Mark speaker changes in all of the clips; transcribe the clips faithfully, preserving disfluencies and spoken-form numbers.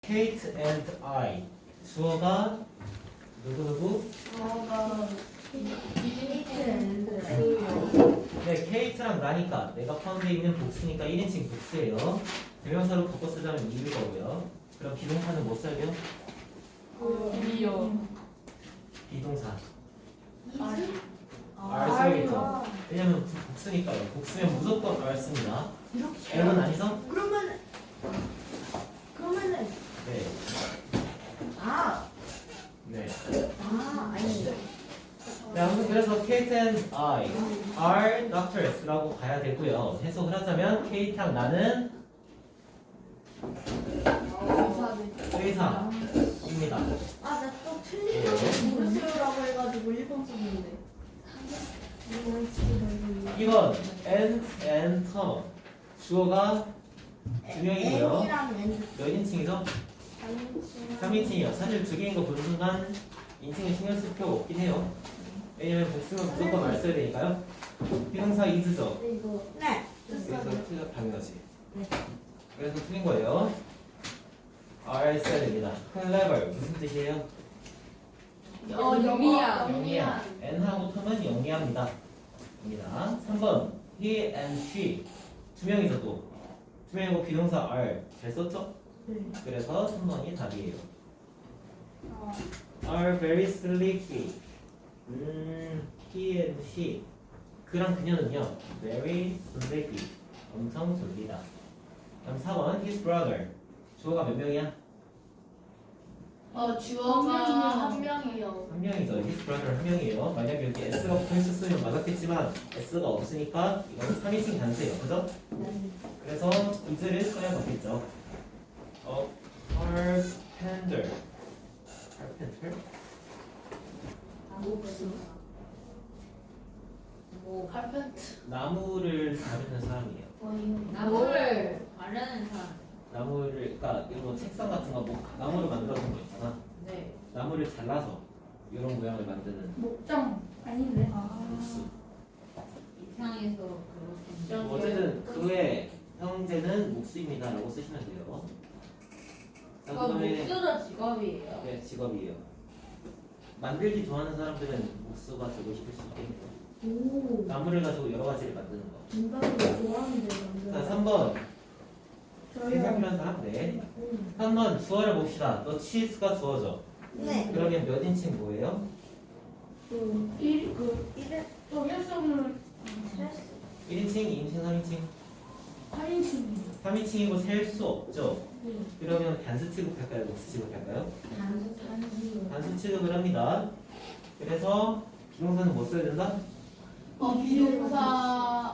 Speaker 1: Kate and I. 주어가 누구누구?
Speaker 2: 저가
Speaker 3: 케이트
Speaker 1: 네, 케이트랑 나니까 내가 포함되어 있는 복수니까 일 인칭 복수예요. 대명사로 바꿔 쓰자면 이일 거고요. 그럼 비동사는 뭐 써야 돼요?
Speaker 2: 이요.
Speaker 1: 비동사.
Speaker 3: 아,
Speaker 1: R 써야겠죠. 왜냐면 복수니까요. 복수면 무조건 R 씁니다. L은 아니죠?
Speaker 3: 그러면 그러면은
Speaker 1: 네.
Speaker 3: 아,
Speaker 1: 네.
Speaker 3: 아 아니
Speaker 1: 네, 아무튼 그래서 Kate and I are doctors라고 가야 되고요. 해석을 하자면 Kate랑 나는 의사입니다.
Speaker 3: 아 나 또 틀린 거 모르세요라고 해가지고 일 번 썼는데
Speaker 1: 이건 and, and, term. 주어가 두 명이고요.
Speaker 3: N이랑 N
Speaker 1: 몇 인칭이죠? 삼 인칭이요. 사실 두 개인 거 보는 순간 인칭을 신경 쓸 필요가 없긴 해요. 왜냐면 복수는 무조건 말 써야 되니까요. 비동사 is죠.
Speaker 3: 이거 네
Speaker 1: 그래서 틀려 당연하지.
Speaker 3: 네.
Speaker 1: 그래서 틀린 거예요. R 써야 됩니다. clever 무슨 뜻이에요?
Speaker 2: 어, 영리한.
Speaker 1: 영리한. N하고 텀은 영리합니다. 입니다. 삼 번 he and she 두 명이죠 또. 두 명이고 비동사 are 잘 썼죠?
Speaker 3: 네.
Speaker 1: 그래서 삼 번이 답이에요. are very sleepy. 음, he and she 그랑 그녀는요 very sleepy 엄청 졸리다. 그럼 사 번 his brother 주어가 몇 명이야?
Speaker 2: 어, 주어가 한 명이요.
Speaker 1: 한 명이죠. his brother 한 명이에요. 만약에 여기 s가 붙어있었으면 맞았겠지만 s가 없으니까 이건 삼 인칭 단수예요. 그죠? 그래서 is를 써야 맞겠죠. 어, carpenter carpenter?
Speaker 2: 뭐, 칼펜트.
Speaker 1: 나무를 다루는 사람이에요.
Speaker 2: 나무를 바르는 사람.
Speaker 1: 나무를, 그러니까 이런 책상 같은 거, 뭐 나무를 만들어준 거 있잖아.
Speaker 2: 네.
Speaker 1: 나무를 잘라서 이런 모양을 만드는
Speaker 3: 목장 아닌데
Speaker 1: 복수.
Speaker 2: 이상해서 그렇게.
Speaker 1: 뭐 어쨌든 그의 형제는 목수입니다라고 쓰시면 돼요. 자,
Speaker 2: 그거
Speaker 1: 그다음에
Speaker 2: 목수도 직업이에요.
Speaker 1: 네, 직업이에요. 만들기 좋아하는 사람들은 목수가 되고 싶을 수 있겠네요.
Speaker 3: 오
Speaker 1: 나무를 가지고 여러 가지를 만드는 거.
Speaker 3: 인간을 좋아하는데
Speaker 1: 자, 삼 번
Speaker 3: 저요
Speaker 1: 생각이라는 사람. 네. 삼 번 주어를 봅시다. 너 치즈가 주어져.
Speaker 3: 네
Speaker 1: 그러면 몇 인칭 뭐예요?
Speaker 3: 그 일, 그 일에 또 헬성을
Speaker 1: 일 인칭, 이 인칭, 삼 인칭?
Speaker 3: 팔 인칭
Speaker 1: 삼 인칭이고 셀 수 없죠.
Speaker 3: 네
Speaker 1: 그러면 단수 취급할까요? 목수 취급할까요?
Speaker 3: 단수 단수
Speaker 1: 단수 취급을 합니다. 그래서 비동사는 뭐 써야 된다?
Speaker 2: 어, 비동사.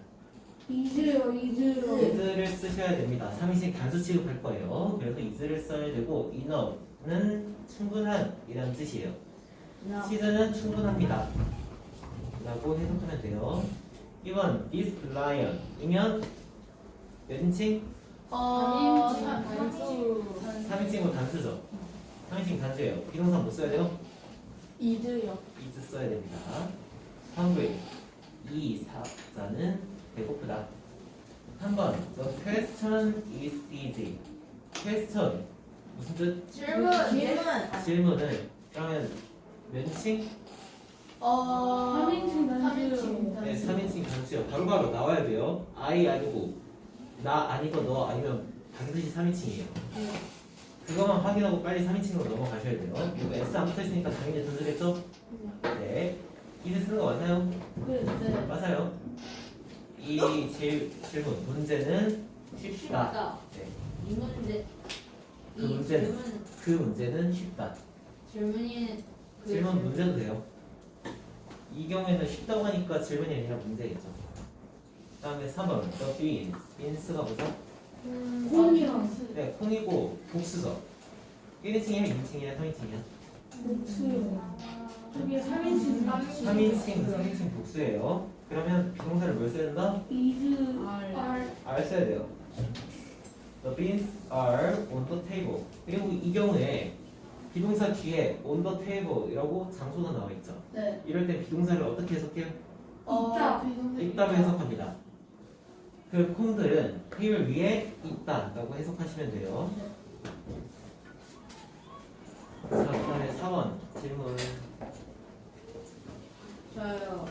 Speaker 3: 이즈요 이즈요
Speaker 1: is를 쓰셔야 됩니다. 삼 인칭 단수 취급할 거예요. 그래서 is를 써야 되고 enough는 충분한 이라는 뜻이에요. 치즈는 충분합니다. 라고 해석하면 돼요. 이 번 this lion 이면 몇 인칭?
Speaker 2: 어,
Speaker 3: 단수
Speaker 1: 삼 인칭으로 단수죠. 삼 인칭 단수예요. 비동사 뭐 써야 돼요?
Speaker 3: 이즈요
Speaker 1: is 써야 됩니다. hungry 이 사자는 배고프다. 한 번 the question is easy. question 무슨 뜻?
Speaker 2: 질문.
Speaker 3: 질문
Speaker 1: 질문을 그러면 몇 인칭?
Speaker 2: 어,
Speaker 3: 삼 인칭 단수.
Speaker 2: 삼 인칭
Speaker 1: 네,
Speaker 2: 단수.
Speaker 1: 삼 인칭 단수요. 바로바로 나와야 돼요. I 아니고 나 아니고 너 아니면 반드시 삼 인칭이에요. 그거만 확인하고 빨리 삼 인칭으로 넘어가셔야 돼요. 이거 S 안 붙어있으니까 당연히 단수겠죠? 네. 이제 쓰는 거 맞나요?
Speaker 2: 네.
Speaker 1: 맞아요. 이 질, 질문 문제는 쉽다.
Speaker 2: 쉽다.
Speaker 1: 네.
Speaker 2: 이 문제.
Speaker 1: 그
Speaker 2: 이
Speaker 1: 문제는
Speaker 2: 질문.
Speaker 1: 그 문제는 쉽다.
Speaker 2: 질문이. 그
Speaker 1: 질문 문제도 돼요. 이 경우에는 쉽다고 하니까 질문이 아니라 문제겠죠. 그다음에 삼 번 the beans. beans가 뭐죠?
Speaker 3: 콩이랑
Speaker 1: 네, 콩이고 복수죠. 일 인칭이야, 이 인칭이야, 삼 인칭이야?
Speaker 3: 복수요 저게 삼 인칭
Speaker 1: 삼 인칭, 삼 인칭 복수예요. 그러면 비동사를 뭘 써야 된다?
Speaker 3: 이즈
Speaker 2: R.
Speaker 3: R
Speaker 1: are 써야 돼요. The beans are on the table. 그리고 이 경우에 비동사 뒤에 on the table이라고 장소가 나와 있죠.
Speaker 2: 네.
Speaker 1: 이럴 때 비동사를 어떻게 해석해요?
Speaker 2: 어,
Speaker 3: 있다.
Speaker 2: 비동사
Speaker 1: 있다고 해석합니다. 그 콩들은 테이블 위에 있다라고 해석하시면 돼요. 사 번 질문.
Speaker 2: 저요.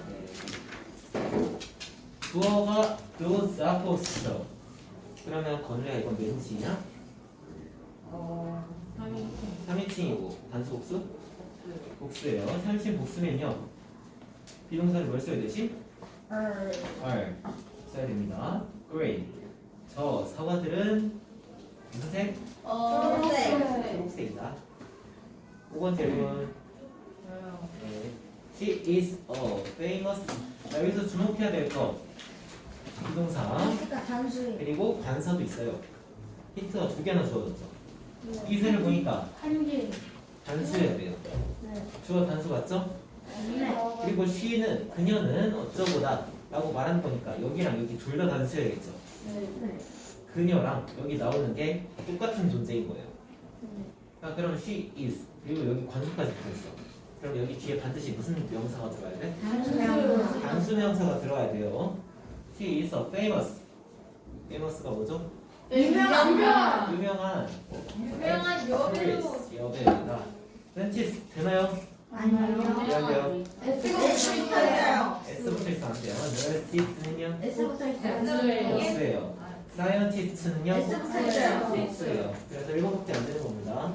Speaker 1: 주어가 those apples. 그러면 건우야 이건 몇 인칭이냐?
Speaker 2: 어, 삼인칭.
Speaker 1: 삼 인칭이고 단수 복수? 복수예요. 삼 인칭 복수면요. 비동사를 뭘 써야 되지?
Speaker 3: 알.
Speaker 1: are 써야 됩니다. great. 저 사과들은 무슨 색?
Speaker 2: 어,
Speaker 3: 초록색.
Speaker 1: 초록색이다. 오 번 질문.
Speaker 2: 저요.
Speaker 1: 네. She is a famous. 자, 여기서 주목해야 될 거. 비동사.
Speaker 3: 그러니까 단수예요.
Speaker 1: 그리고 관사도 있어요. 힌트가 두 개나 주어졌죠. 이슬을 보니까
Speaker 3: 한 개.
Speaker 1: 단수해야 돼요.
Speaker 3: 네.
Speaker 1: 주어 단수 맞죠?
Speaker 3: 네.
Speaker 1: 그리고 she는 그녀는 어쩌고다 라고 말하는 거니까 여기랑 여기 둘 다 단수해야겠죠.
Speaker 3: 네.
Speaker 1: 그녀랑 여기 나오는 게 똑같은 존재인 거예요. 자, 그럼 she is 그리고 여기 관수까지 붙어있어. 그럼 여기 뒤에 반드시 무슨 명사가 들어가야 돼?
Speaker 3: 단수.
Speaker 1: 단수 명사가 들어가야 돼요. She is a famous. famous가 뭐죠?
Speaker 3: 유명한.
Speaker 2: 유명한.
Speaker 1: 유명한
Speaker 2: 유명한 여배우.
Speaker 1: actress, 여배우다. 렌티스 되나요?
Speaker 3: 아니요.
Speaker 1: 미안해요.
Speaker 3: S부터 있어요.
Speaker 1: S부터 있어 안 돼요. nurse는요?
Speaker 3: S부터 있어요.
Speaker 2: S예요.
Speaker 1: S예요. scientist는요?
Speaker 3: S부터 있어요.
Speaker 1: S예요. 그래서 일곱밖에 안 되는 겁니다.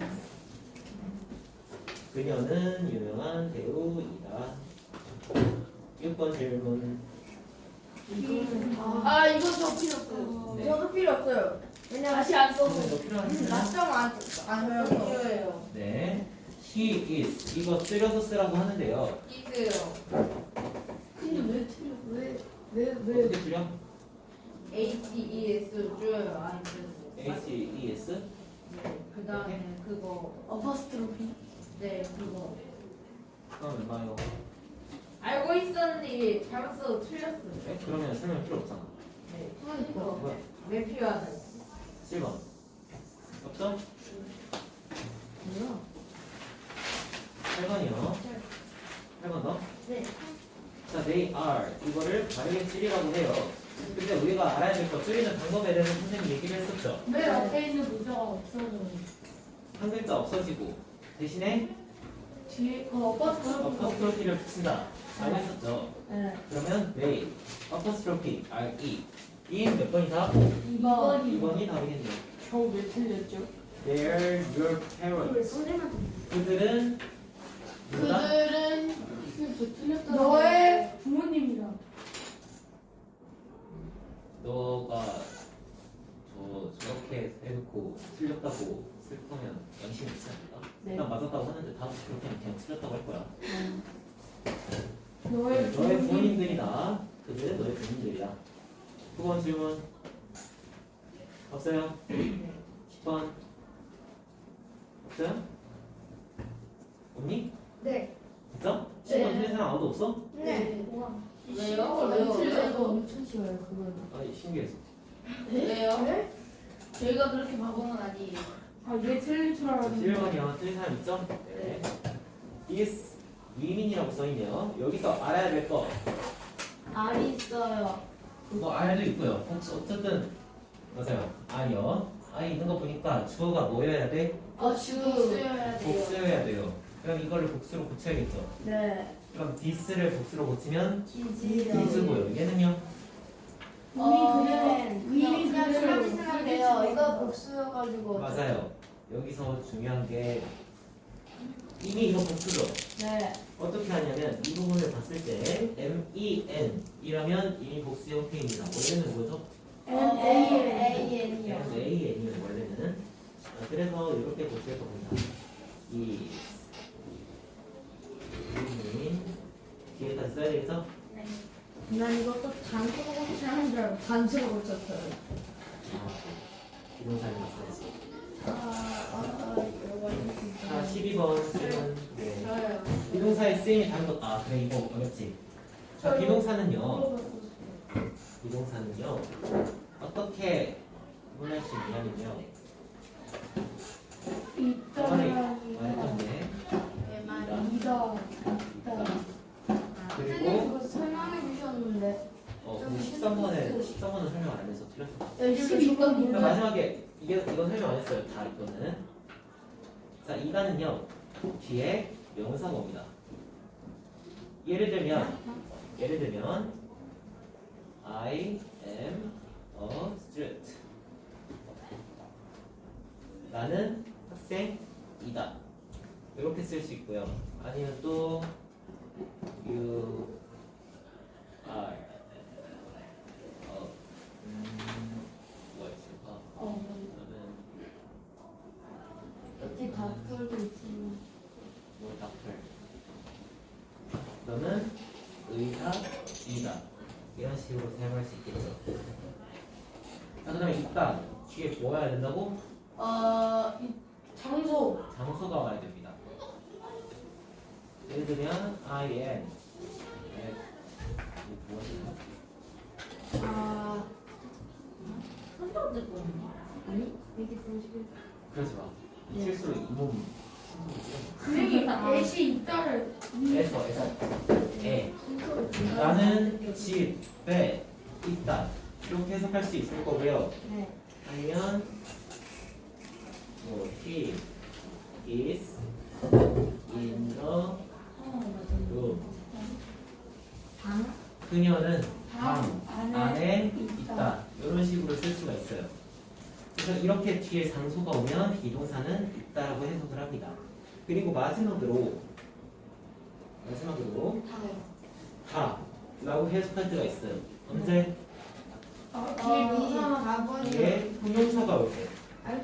Speaker 1: 그녀는 유명한 배우이다. 육 번 질문.
Speaker 2: 아, 이거 저 필요 없어요.
Speaker 1: 네.
Speaker 3: 저도 필요 없어요. 왜냐면
Speaker 2: 다시 안 써도
Speaker 1: 이거 필요하시나요?
Speaker 3: 낮점 안, 안 써서.
Speaker 2: 필요해요.
Speaker 1: 네. He is 이거 줄여서 쓰라고 하는데요.
Speaker 2: 있어요.
Speaker 3: 근데 왜 틀려? 왜? 왜? 왜?
Speaker 1: 어떻게 줄여?
Speaker 2: H E S 줘요. 아니, 그
Speaker 1: H E S?
Speaker 2: 네. 그 다음에 그거.
Speaker 3: 어퍼스트로피.
Speaker 2: 네, 그거.
Speaker 1: 그럼 얼마예요?
Speaker 2: 알고 있었는데 잘못 써도 틀렸어요.
Speaker 1: 네? 그러면 설명 필요 없잖아.
Speaker 2: 네.
Speaker 3: 그러니까.
Speaker 1: 뭐야?
Speaker 2: 왜 필요하다?
Speaker 1: 칠 번. 없죠?
Speaker 3: 뭐야?
Speaker 1: 팔 번이요. 팔 번 더.
Speaker 3: 네.
Speaker 1: 자, they are 이거를 바르게 줄이라고 해요. 근데 우리가 알아야 될 거 줄이는 방법에 대해서 선생님이 얘기를 했었죠.
Speaker 3: 왜 앞에 있는 문자가 없어져요?
Speaker 1: 한 글자 없어지고 대신에
Speaker 3: 뒤에 그 어퍼스트로피.
Speaker 1: 어퍼스트로피를 붙인다. 라고 했었죠.
Speaker 3: 네.
Speaker 1: 그러면 they 어퍼스트로피 are 이인 몇 번이다?
Speaker 3: 이번.
Speaker 1: 이 번이 답이겠네요.
Speaker 3: 저왜 틀렸죠?
Speaker 1: They're your parents.
Speaker 3: 선생님한테.
Speaker 1: 그들은 누구다?
Speaker 2: 그들은
Speaker 3: 저 틀렸다. 너의 부모님이다.
Speaker 1: 너가 저 저렇게 해놓고 틀렸다고 쓸 거면 양심 있지 않을까?
Speaker 3: 네.
Speaker 1: 난 맞았다고 하는데 다음 그렇게 하면 그냥 틀렸다고 할 거야.
Speaker 3: 너의
Speaker 1: 너의
Speaker 3: 부모님.
Speaker 1: 부모님들이다. 그들은 너의 부모님들이다. 두 번 질문. 없어요? 십 번. 없어요? 없니?
Speaker 3: 네.
Speaker 1: 진짜? 십 번
Speaker 2: 네.
Speaker 1: 틀린 사람 아무도 없어?
Speaker 3: 네.
Speaker 2: 왜요?
Speaker 3: 왜
Speaker 2: 왜요?
Speaker 3: 틀려도 엄청 쉬워요 그거는.
Speaker 1: 아니 신기해서.
Speaker 2: 왜요?
Speaker 3: 네?
Speaker 2: 저희가 그렇게 바보는 아니에요.
Speaker 3: 아왜 틀릴 줄 알았는데.
Speaker 1: 일 번이요. 틀린 사람 있죠? 네. This 위민이라고 써있네요. 여기서 알아야 될 거.
Speaker 2: 알이 있어요.
Speaker 1: 뭐 R도 있고요. 혹시 어쨌든 맞아요. R이요. R 있는 거 보니까 주어가 뭐여야 돼?
Speaker 2: 어, 주 쓰여야 돼요.
Speaker 1: 복수여야 돼요. 그럼 이거를 복수로 고쳐야겠죠.
Speaker 3: 네.
Speaker 1: 그럼 this를 복수로 고치면
Speaker 3: 기지.
Speaker 1: this고요. 얘는요?
Speaker 3: 이미
Speaker 2: 어,
Speaker 3: 그냥
Speaker 2: 이미
Speaker 3: 그냥
Speaker 2: 그대로
Speaker 3: 그렇게 쓰면 돼요. 이거 복수여가지고.
Speaker 1: 맞아요. 여기서 중요한 게 이미 이거 복수죠.
Speaker 3: 네.
Speaker 1: 어떻게 하냐면 이 부분을 봤을 때 men 이라면 이미 복수 형태입니다. 원래는 뭐죠?
Speaker 3: M A N.
Speaker 2: N이요.
Speaker 1: man이에요 원래는. 아, 그래서 이렇게 고칠 겁니다. 이 민 뒤에까지 써야 되겠죠?
Speaker 3: 난 이것도 단수로 고치는 줄 알고 단수로 고쳤어요.
Speaker 1: 아, 비동사를 써야지.
Speaker 3: 아, 아, 이거
Speaker 1: 자, 십이 번 질문. 네.
Speaker 2: 저요.
Speaker 1: 비동사의 쓰임이 다른 것. 아, 그래 이거 어렵지. 자, 비동사는요. 비동사는요. 어떻게 구분할 수 있냐면요. 저번에 말했던데.
Speaker 3: 이다.
Speaker 1: 그리고
Speaker 3: 그거 설명해 주셨는데.
Speaker 1: 어, 근데 십삼 번에 십삼 번은 설명 안 해서 틀렸어.
Speaker 3: 열심히
Speaker 1: 그러니까
Speaker 3: 이건
Speaker 1: 마지막에 이게 이건 설명 안 했어요. 다 이거는. 자, 이단은요. 뒤에 명사가 옵니다. 예를 들면 예를 들면 I am a student. 나는 학생이다. 이렇게 쓸 수 있고요. 아니면 또 you are 어, 음, 뭐가 있을까?
Speaker 3: 어.
Speaker 1: 너는
Speaker 3: 여기 닭털도 있지만.
Speaker 1: 뭐 닥터. 너는 의사이다. 이런 식으로 사용할 수 있겠죠. 자, 그다음에 있다. 뒤에 뭐 와야 된다고?
Speaker 2: 어, 이 장소.
Speaker 1: 장소가 와야 됩니다. 예를 들면 I am at 무엇인가?
Speaker 3: 아. 한 번째 거. 아니? 이게 삼십일.
Speaker 1: 그러지 마.
Speaker 3: 네.
Speaker 1: 실수로 이몸
Speaker 2: 선생님, 애시 있다를.
Speaker 1: 에서 에서 에 나는 집에 있다. 이렇게 해석할 수 있을 거고요.
Speaker 3: 네.
Speaker 1: 아니면 뭐 he is in the room.
Speaker 3: 방?
Speaker 1: 그녀는
Speaker 2: 방
Speaker 1: 방
Speaker 2: 안에
Speaker 1: 안에
Speaker 2: 있다.
Speaker 1: 있다. 이런 식으로 쓸 수가 있어요. 그래서 이렇게 뒤에 장소가 오면 비동사는 있다라고 해석을 합니다. 그리고 마지막으로 마지막으로 다라고 해석할 때가 있어요. 언제?
Speaker 2: 어, 뒤에 명사가
Speaker 1: 뒤에 형용사가 올 때.
Speaker 2: 아이.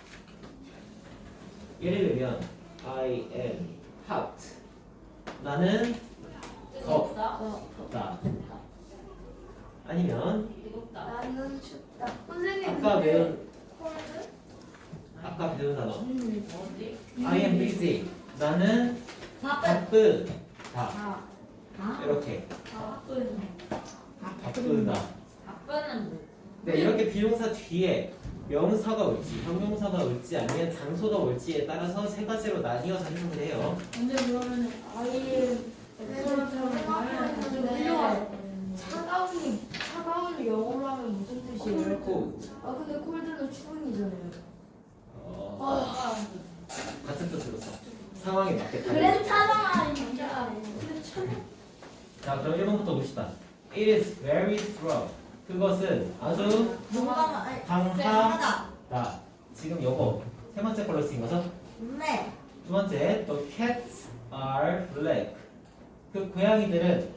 Speaker 1: 예를 들면 I am hot. 나는
Speaker 2: 뜨겁다.
Speaker 1: 덥다. 아니면
Speaker 3: 나는 춥다.
Speaker 2: 선생님,
Speaker 1: 아까
Speaker 2: 근데
Speaker 1: 배운
Speaker 2: 콜드?
Speaker 1: 아까 배운 단어
Speaker 2: 어디?
Speaker 1: I am busy. 나는 바쁘다.
Speaker 3: 아. 아?
Speaker 1: 이렇게
Speaker 2: 바쁜.
Speaker 1: 바쁘다.
Speaker 2: 바쁜은 뭐?
Speaker 1: 네, 이렇게 비동사 뒤에 명사가 올지 형용사가 올지 아니면 장소가 올지에 따라서 세 가지로 나뉘어서 해석을 해요.
Speaker 2: 근데 그러면 아예
Speaker 3: 차가운 차가운 영어로 하면 무슨 뜻이에요?
Speaker 1: 코
Speaker 3: 아 근데 콜드는 추운이잖아요.
Speaker 1: 어,
Speaker 2: 아,
Speaker 1: 같은 뜻으로 써. 상황에 맞게 다.
Speaker 3: 그랬잖아 진짜.
Speaker 1: 자, 그럼 일 번부터 봅시다. It is very strong. 그것은 아주
Speaker 3: 뭔가 아니,
Speaker 1: 강하다.
Speaker 3: 하다.
Speaker 1: 지금 요거 세 번째 걸로 쓰인 거죠?
Speaker 3: 네.
Speaker 1: 두 번째, the cats are black. 그 고양이들은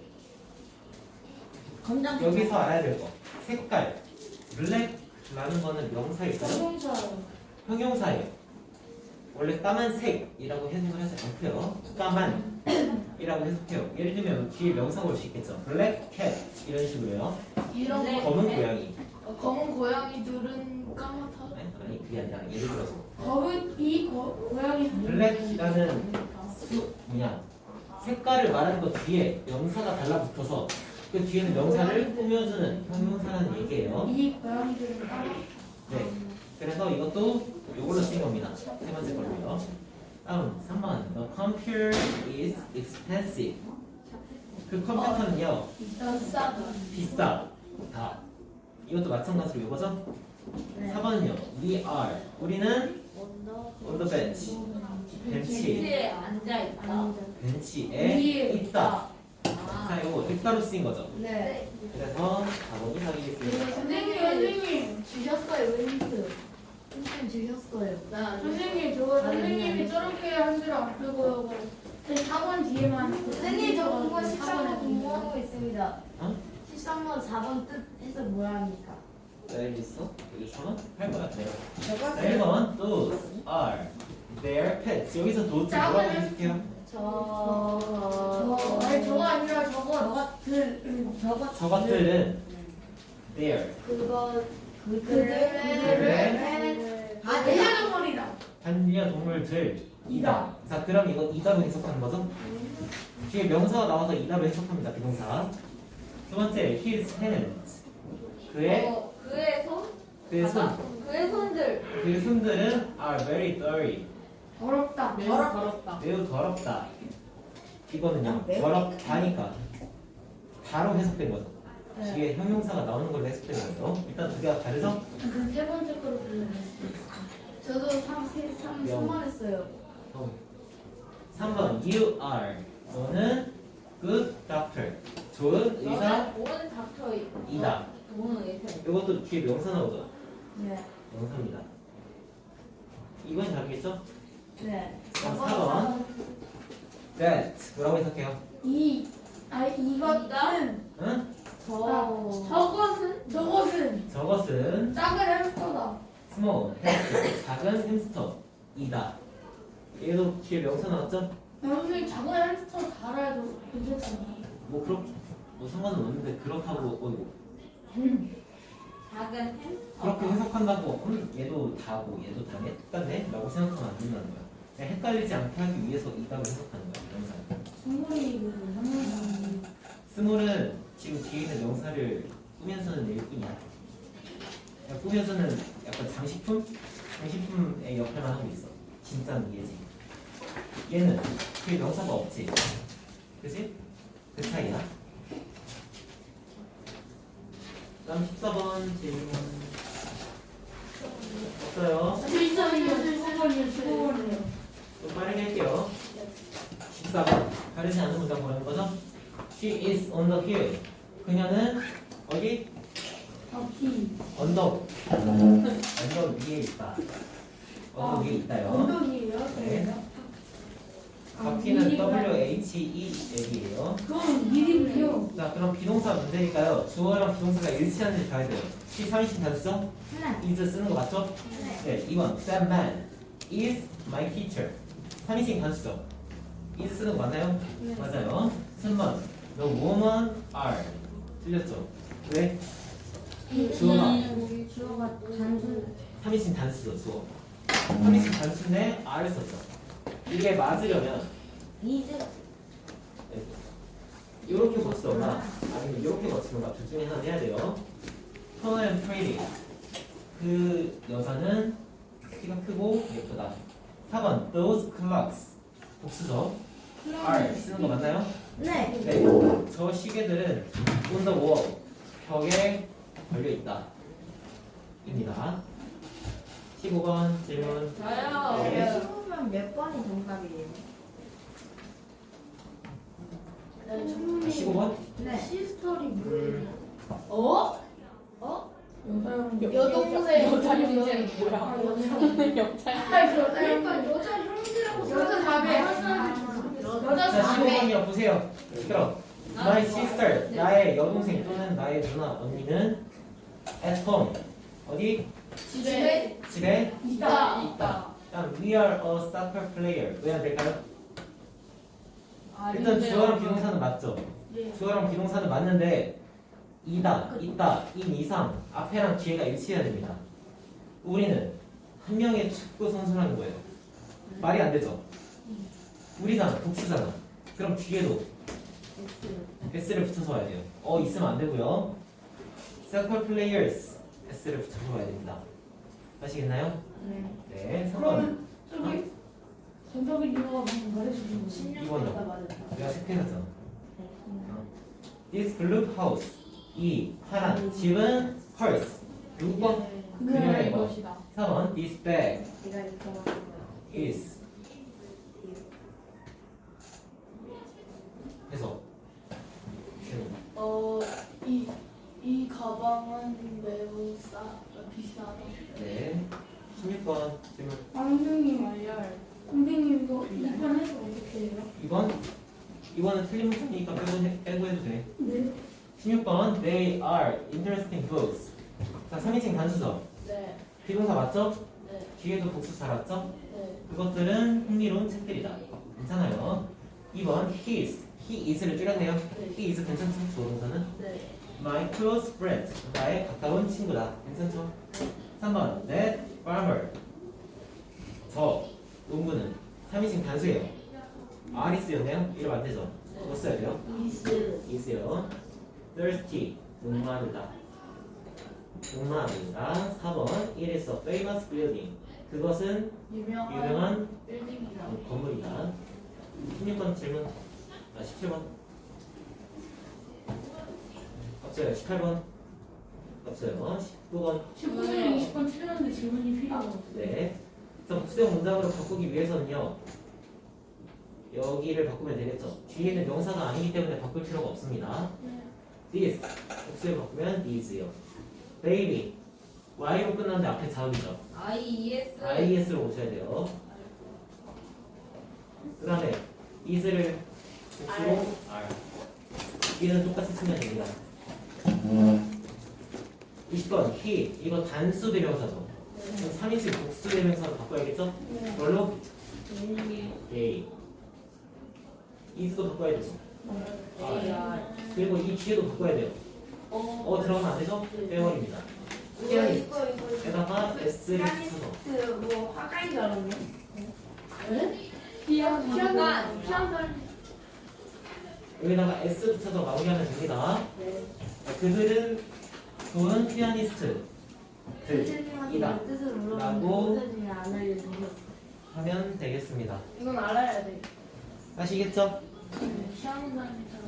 Speaker 3: 검정.
Speaker 1: 여기서 알아야 될 거. 색깔. black라는 거는 명사일까요?
Speaker 2: 자동차.
Speaker 1: 형용사예요. 원래 까만색이라고 해석을 하지 않고요. 까만이라고 해석해요. 예를 들면 뒤에 명사가 올 수 있겠죠. black cat 이런 식으로요.
Speaker 2: 이런
Speaker 3: 네.
Speaker 2: 거.
Speaker 1: 검은 고양이.
Speaker 2: 어, 검은 고양이들은 까맣다.
Speaker 1: 아니, 아니 그게 아니라 예를 들어서
Speaker 2: 검은 이 고, 고양이.
Speaker 1: black이라는 수 뭐냐 색깔을 말하는 것 뒤에 명사가 달라붙어서 그 뒤에는 명사를 꾸며주는 형용사라는 얘기예요.
Speaker 2: 이 고양이들은 까맣다.
Speaker 1: 네. 그래서 이것도 이걸로 쓰인 겁니다. 세 번째 걸로요. 다음 삼 번. The computer is expensive. 그 컴퓨터는요
Speaker 2: 난 싸다.
Speaker 1: 비싸다. 이것도 마찬가지로 이거죠?
Speaker 3: 네.
Speaker 1: 사 번은요. We are. 우리는 on the bench. 벤치.
Speaker 2: 벤치에 앉아 있다.
Speaker 1: 벤치에
Speaker 2: 위에
Speaker 1: 있다.
Speaker 2: 아.
Speaker 1: 자, 이거 있다로 쓰인 거죠.
Speaker 3: 네.
Speaker 1: 그래서 사 번이 답이겠습니다.
Speaker 2: 선생님, 선생님.
Speaker 3: 주셨어요 윈트. 윈트 주셨어요.
Speaker 2: 선생님, 저 선생님이 저렇게 한 줄 안 풀고 사 번 뒤에만.
Speaker 3: 선생님 저 공부
Speaker 2: 사
Speaker 3: 십삼 번
Speaker 2: 번에
Speaker 3: 공부하고 있습니다.
Speaker 1: 어?
Speaker 3: 십삼 번 사 번 뜻 해서 뭐라 합니까?
Speaker 1: 네, 있어? 여기 천 원? 할 거야. 네.
Speaker 3: 저거
Speaker 1: 자, 일 번. Those are their pets. 여기서 those 뭐라고 해석해요?
Speaker 3: 저...
Speaker 2: 저, 아니, 저거 아니라 저거.
Speaker 3: 저것들 저것
Speaker 1: 저것들은 their
Speaker 3: 그거
Speaker 2: 그들의
Speaker 3: 그들의
Speaker 2: 아, 반려동물이다.
Speaker 1: 반려동물들이다. 자, 그럼 이거 이다로 해석하는 거죠? 뒤에 명사가 나와서 이다로 해석합니다. 비동사. 두 번째, his hands. 그의
Speaker 2: 어, 그의 손?
Speaker 1: 그의 손.
Speaker 2: 그의 손들.
Speaker 1: 그의 손들은 are very dirty.
Speaker 2: 더럽다. 매우
Speaker 3: 더럽-
Speaker 2: 더럽다.
Speaker 1: 매우 더럽다. 이거는요,
Speaker 3: 매우
Speaker 1: 더럽다니까 다로 해석된 거죠.
Speaker 3: 네.
Speaker 1: 뒤에 형용사가 나오는 걸로 해석된 거죠. 일단 두 개가 다르죠?
Speaker 2: 그세 번째 거로 불러요.
Speaker 3: 저도 삼, 세, 삼,
Speaker 1: 영.
Speaker 3: 삼 번 했어요.
Speaker 1: 어. 삼 번 you are 너는 good doctor 좋은 의사
Speaker 4: 좋은 닥터
Speaker 1: 이다.
Speaker 4: 좋은 의사.
Speaker 1: 이것도 뒤에 명사 나오죠?
Speaker 3: 네.
Speaker 1: 명사입니다. 이건 다르겠죠?
Speaker 3: 네.
Speaker 1: 그럼 사 번 that 뭐라고 해석해요?
Speaker 2: 이, 아, 이것은,
Speaker 1: 응?
Speaker 3: 저.
Speaker 2: 저것은, 저것은
Speaker 1: 저것은
Speaker 2: 작은 햄스터다.
Speaker 1: small 햄스터 작은 햄스터이다. 얘도 뒤에 명사 나왔죠?
Speaker 2: 여러분이 작은 햄스터 달아도 괜찮잖아.
Speaker 1: 뭐 그렇게 뭐 상관은 없는데 그렇다고 어이구
Speaker 4: 작은 햄스터.
Speaker 1: 그렇게 해석한다고 음, 얘도 다고 얘도 다네 똑같네 라고 생각하면 안 된다는 거야. 그냥 헷갈리지 않게 하기 위해서 이 답을 해석하는 거야. 명사.
Speaker 2: 동물이 그 상상이
Speaker 1: 스몰은 지금 뒤에 있는 명사를 꾸면서는 낼 뿐이야. 그냥 꾸면서는 약간 장식품? 장식품의 역할만 하고 있어. 진짜는 얘지. 얘는 뒤에 명사가 없지. 그치? 그 차이야. 다음 십사 번 질문. 없어요.
Speaker 2: 일선이요, 일선이요, 일선이요.
Speaker 1: 좀 빠르게 할게요. 십사 번. 다르지 않은 문장 보라는 거죠? She is on the hill. 그녀는 어디?
Speaker 2: 바퀴.
Speaker 1: 언덕. 언덕 위에 있다. 언덕 위에 있다요.
Speaker 2: 언덕이에요?
Speaker 1: 네.
Speaker 2: 아,
Speaker 1: 바퀴는
Speaker 2: 미리가-
Speaker 1: W H E L이에요.
Speaker 2: 그건 미리고요.
Speaker 1: 자, 그럼 비동사 문제니까요. 주어랑 비동사가 일치하는지 봐야 돼요. 시 삼인칭 단수죠?
Speaker 3: 네.
Speaker 1: is 쓰는 거 맞죠? 네. 이 번. That man is my teacher. 삼인칭 단수죠? is 쓰는 거 맞나요?
Speaker 3: 네.
Speaker 1: 맞아요. 삼 번. The woman are. 틀렸죠? 왜? 주어가
Speaker 3: 주어가 단순.
Speaker 1: 삼인칭 단수죠, 주어. 삼인칭 단수인데 are를 썼죠. 이게 맞으려면
Speaker 3: 이즈.
Speaker 1: 이렇게 고치던가 아니면 이렇게 고치던가 둘 중에 하나 해야 돼요. Tall and pretty. 그 여자는 키가 크고 예쁘다. 사 번. Those clocks. 복수죠. are 쓰는 거 맞나요?
Speaker 3: 네.
Speaker 1: 네. 저 시계들은 on the wall. 벽에 걸려 있다. 입니다. 십오 번 질문.
Speaker 4: 저요.
Speaker 1: 네.
Speaker 3: 십오면 몇 번이 정답이에요?
Speaker 2: 네,
Speaker 1: 십오 번?
Speaker 3: 네.
Speaker 2: 시스터리 뭐예요?
Speaker 4: 어? 어?
Speaker 2: 여동생.
Speaker 4: 여자 형제는
Speaker 2: 아,
Speaker 4: 뭐야?
Speaker 2: 여자.
Speaker 4: 여자.
Speaker 2: 아, 그러니까 여자 형제라고 여자 자매. 여자
Speaker 1: 자, 십오
Speaker 2: 자매.
Speaker 1: 번이요. 보세요. 그럼 My sister, 나의 여동생 또는 나의 누나, 언니는 at home. 어디?
Speaker 2: 집에
Speaker 1: 집에
Speaker 2: 있다.
Speaker 1: 있다. 다음 we are a soccer player. 왜 안 될까요? 일단 주어랑 비동사는 맞죠?
Speaker 2: 네.
Speaker 1: 주어랑 비동사는 맞는데 이다, 있다, 인 이상 앞에랑 뒤에가 일치해야 됩니다. 우리는 한 명의 축구 선수라는 거예요. 말이 안 되죠? 우리잖아, 복수잖아. 그럼 뒤에도 s를 붙여서 와야 돼요. 어 있으면 안 되고요. soccer players s를 붙여서 와야 됩니다. 아시겠나요?
Speaker 3: 네.
Speaker 1: 네, 삼 번.
Speaker 2: 그러면 저기 정답을 이유가 방금 말해주신 거.
Speaker 3: 십육
Speaker 1: 이번이요.
Speaker 3: 번이다 맞았다.
Speaker 1: 내가 체크해놨잖아.
Speaker 3: 네.
Speaker 1: This blue house. 이 파란 집은 hers. 육 번. 그녀의 것.
Speaker 2: 것이다.
Speaker 1: 사 번. This bag
Speaker 3: 네가 이렇게 말한 거야.
Speaker 1: is. 해서.
Speaker 2: 어, 이, 이 가방은 매우 싸, 비싸다.
Speaker 1: 네. 십육 번 질문.
Speaker 2: 왕중님 알열. 선생님 이거 이번 해서 어떻게 해요?
Speaker 1: 이 번. 이 번은 틀린 문제니까 빼고, 해, 빼고 해도 돼.
Speaker 2: 네.
Speaker 1: 십육 번. They are interesting books. 자, 삼인칭 단수죠.
Speaker 2: 네.
Speaker 1: 비동사 맞죠?
Speaker 2: 네.
Speaker 1: 뒤에도 복수 잘 왔죠?
Speaker 2: 네.
Speaker 1: 그것들은 흥미로운 책들이다. 괜찮아요. 이 번. His. He is를 줄였네요.
Speaker 2: 네.
Speaker 1: He is 괜찮죠? 조동사는.
Speaker 2: 네.
Speaker 1: My close friend. 나의 가까운 친구다. 괜찮죠? 삼 번. That farmer. 저 농부는 삼인칭 단수예요. R이 쓰였네요. 이러면 안 되죠? 뭐 써야 돼요?
Speaker 2: 이스.
Speaker 1: is요. Thirsty. 목마르다. 목마르다. 사 번. It is a famous building. 그것은
Speaker 2: 유명한
Speaker 1: 유명한
Speaker 2: 빌딩이다.
Speaker 1: 건물이다. 십육 번 질문. 아, 십칠 번. 없어요. 십팔 번. 없어요. 십구 번.
Speaker 2: 십구 번, 이십 번 틀렸는데 질문이 필요가 없어요.
Speaker 1: 네. 그래서 복수형 문장으로 바꾸기 위해서는요. 여기를 바꾸면 되겠죠. 뒤에는 명사가 아니기 때문에 바꿀 필요가 없습니다. this 복수를 바꾸면 is요. baby y로 끝나는데 앞에 자음이죠.
Speaker 4: I E S
Speaker 1: is로 오셔야 돼요. 그 다음에 is를 복수로 r 뒤에는 똑같이 쓰면 됩니다. 이십 번 he 이거 단수 대명사죠. 그럼 삼 인칭 복수 대명사로 바꿔야겠죠? 뭘로? A is도 바꿔야 되죠.
Speaker 4: A R
Speaker 1: 그리고 이 뒤에도 바꿔야 돼요. 어 들어가면 안 되죠? 빼버립니다. 피아니스트 에다가 s를 붙여서
Speaker 3: 그 뭐 화가인 줄 알았네.
Speaker 2: 피아노
Speaker 4: 피아노.
Speaker 2: 피아노
Speaker 1: 여기다가 s 붙여서 마무리하면 됩니다. 그들은 좋은 피아니스트
Speaker 3: 선생님한테
Speaker 1: 이다.
Speaker 3: 그 뜻을
Speaker 1: 라고
Speaker 3: 물어보는데 선생님이 안 알려주셔서.
Speaker 1: 하면 되겠습니다.
Speaker 3: 이건 알아야 돼.
Speaker 1: 아시겠죠?
Speaker 2: 피아노 다니잖아.